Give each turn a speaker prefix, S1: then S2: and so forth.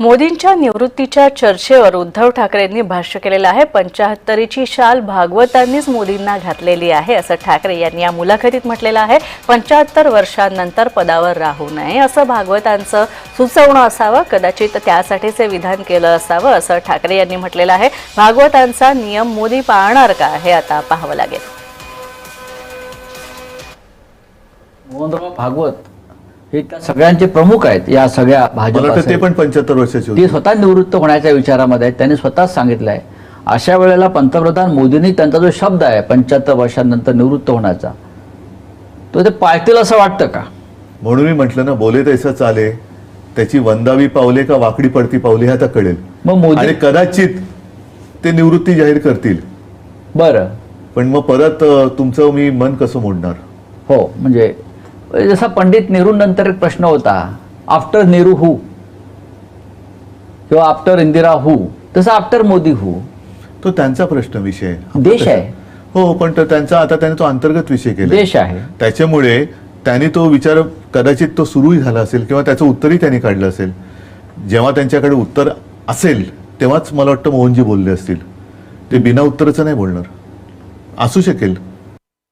S1: मोदींच्या निवृत्तीच्या चर्चेवर उद्धव ठाकरेंनी भाष्य केलेलं आहे। 75ची शाल भागवतांनीच मोदींना घातलेली आहे असं ठाकरे यांनी या मुलाखतीत म्हटलेलं आहे। 75 वर्षांनंतर पदावर राहू नये असं भागवतांचं सुचवणं असावं, कदाचित त्यासाठीच हे विधान केलं असावं असं ठाकरे यांनी म्हटलेलं आहे। भागवतांचा नियम मोदी पाळणार का हे आता पाहावं लागेल।
S2: मोहनराव भागवत हे त्या सगळ्यांचे प्रमुख आहेत। या सगळ्या भाजप
S3: ते पण 75 वर्षाचे होते।
S2: ते स्वतः निवृत्त होण्याच्या विचारामध्ये आहेत। त्यांनी स्वतःच सांगितलंय अशा वेळेला पंतप्रधान मोदींनी त्यांचा जो शब्द आहे 75 वर्षांनंतर निवृत्त होण्याचा तो ते पाळतील असं वाटतं का?
S3: म्हणून मी म्हटलं ना, बोले तैसा चाले, त्याची वंदावी पावले का वाकडी पडती पावले हे आता कळेल।
S2: मग मोदी
S3: आणि कदाचित ते निवृत्ती जाहीर करतील।
S2: बरं,
S3: पण मग परत तुमचं मी मन कसं मोडणार?
S2: हो, म्हणजे जसा पंडित नेहरू नंतर एक प्रश्न होता, आफ्टर नेहरू हू किंवा आफ्टर इंदिरा हू, तसा आफ्टर मोदी हू,
S3: तो त्यांचा प्रश्न विषय
S2: देश आहे।
S3: हो, पण तो त्यांचा आता त्याने तो अंतर्गत विषय केला,
S2: देश आहे।
S3: त्याच्यामुळे त्यांनी तो विचार कदाचित तो सुरूही झाला असेल किंवा त्याचं उत्तरही त्यांनी काढलं असेल। जेव्हा त्यांच्याकडे उत्तर असेल तेव्हाच मला वाटतं मोहनजी बोलले असतील। ते बिना उत्तराचं नाही बोलणार, असू शकेल।